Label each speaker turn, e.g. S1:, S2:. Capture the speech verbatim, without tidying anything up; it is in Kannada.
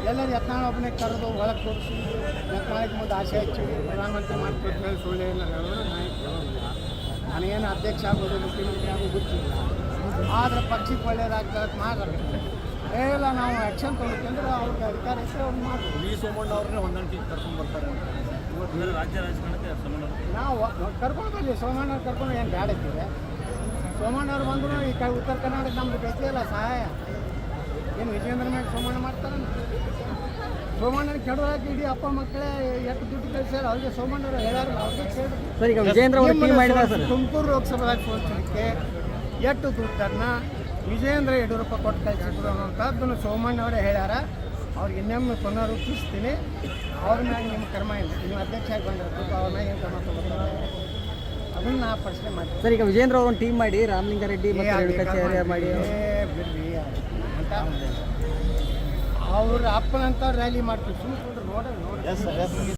S1: ಎಲ್ಲರೂ ಯತ್ನಾಳ್ ಒಬ್ಬನೇ ಕರೆದು ಒಳಗೆ ತೋರಿಸಿ ಯತ್ನಾಳಿಗೆ ಮುಂದೆ ಆಸೆ ಹಚ್ಚಿ ಪ್ರಧಾನಮಂತ್ರಿ ಮಾಡ್ಕೊಟ್ಟು ಸುಳ್ಳು ಇಲ್ಲ ನನಗೇನು ಅಧ್ಯಕ್ಷ ಆಗೋದು ಮುಖ್ಯಮಂತ್ರಿ ಆಗೋದು ಗೊತ್ತಿಲ್ಲ, ಆದರೆ ಪಕ್ಷಕ್ಕೆ ಒಳ್ಳೇದಾಗ್ತದೆ ಮಾತಾಡ್ತಾರೆ. ಇಲ್ಲ ನಾವು ಆ್ಯಕ್ಷನ್ ತೊಗೊಳ್ಬೇಕಂದ್ರೆ ಅವ್ರಿಗೆ ಅಧಿಕಾರ ಇದ್ದರೆ ಅವ್ರು ಮಾಡ್ಬೋದು.
S2: ವಿ ಸೋಮಣ್ಣ ಅವ್ರನ್ನೇ ಹೊಂದಾಣಿಕೆ ಕರ್ಕೊಂಡು ಬರ್ತಾರೆ. ರಾಜ್ಯ ರಾಜಕಾರಣಕ್ಕೆ ಸೋಮಣ್ಣ
S1: ನಾವು ಕರ್ಕೊಂಡು ಬರಲಿ, ಸೋಮಣ್ಣವ್ರು ಕರ್ಕೊಂಡು ಏನು ಬ್ಯಾಡ ಇದ್ದೀವಿ. ಸೋಮಣ್ಣವ್ರು ಬಂದರೂ ಈ ಕಡೆ ಉತ್ತರ ಕರ್ನಾಟಕ ನಮ್ದು ಬೇಕಿಲ್ಲ ಸಹಾಯ. ಏನು ವಿಜಯೇಂದ್ರ ಮೇಲೆ ಸೋಮಣ್ಣ ಮಾಡ್ತಾರೆ. ಸೋಮಣ್ಣನ ಕೆಡೋದಾಗಿ ಇಡೀ ಅಪ್ಪ ಮಕ್ಕಳೇ ಎಷ್ಟು ದುಡ್ಡು ಕಳಿಸ್ಯಾರ ಅವ್ರಿಗೆ ಸೋಮಣ್ಣವ್ರು ಹೇಳಾರಲ್ಲ, ಅವ್ರಿಗೆ ಕೇಳಿ ತುಮಕೂರು ಲೋಕಸಭೆದಾಗ ಸೋಲಿಸಲಿಕ್ಕೆ ಎಷ್ಟು ದುಡ್ಡನ್ನು ವಿಜಯೇಂದ್ರ ಯಡಿಯೂರಪ್ಪ ಕೊಟ್ಟು ಕಳಿಸಿದ್ರು ಅನ್ನೋಂಥದ್ದನ್ನು ಸೋಮಣ್ಣವರೇ ಹೇಳ್ಯಾರ. ಅವ್ರಿಗೆ ಇನ್ನೊಮ್ಮೆ ಪುನರುಚ್ಚಿಸ್ತೀನಿ, ಅವ್ರ ಮ್ಯಾಗ ನಿಮ್ಮ ಕರ್ಮ ಇಲ್ಲ, ನೀವು ಅಧ್ಯಕ್ಷ ಆಗಿ ಬಂದಿರ್ಬೇಕು, ಅವ್ರ ಮ್ಯಾಗ ಏನು ಕ್ರಮ ತಗೋತಾರೆ ಅದನ್ನು ನಾ ಪ್ರಶ್ನೆ ಮಾಡ್ತೀನಿ.
S3: ಸರ್, ಈಗ ವಿಜೇಂದ್ರ ಅವರು ಒಂದು ಟೀಮ್ ಮಾಡಿ ರಾಮಲಿಂಗಾರೆಡ್ಡಿ ಮಾಡಿ
S1: ಬಿಡ್ರಿ ಅಂತ ಅವ್ರ ಅಪ್ಪನಂತ ರ್ಯಾಲಿ ಮಾಡ್ತೀವಿ. ಸುಮ್ಮನೆ ನೋಡ್ರಿ ನೋಡಿ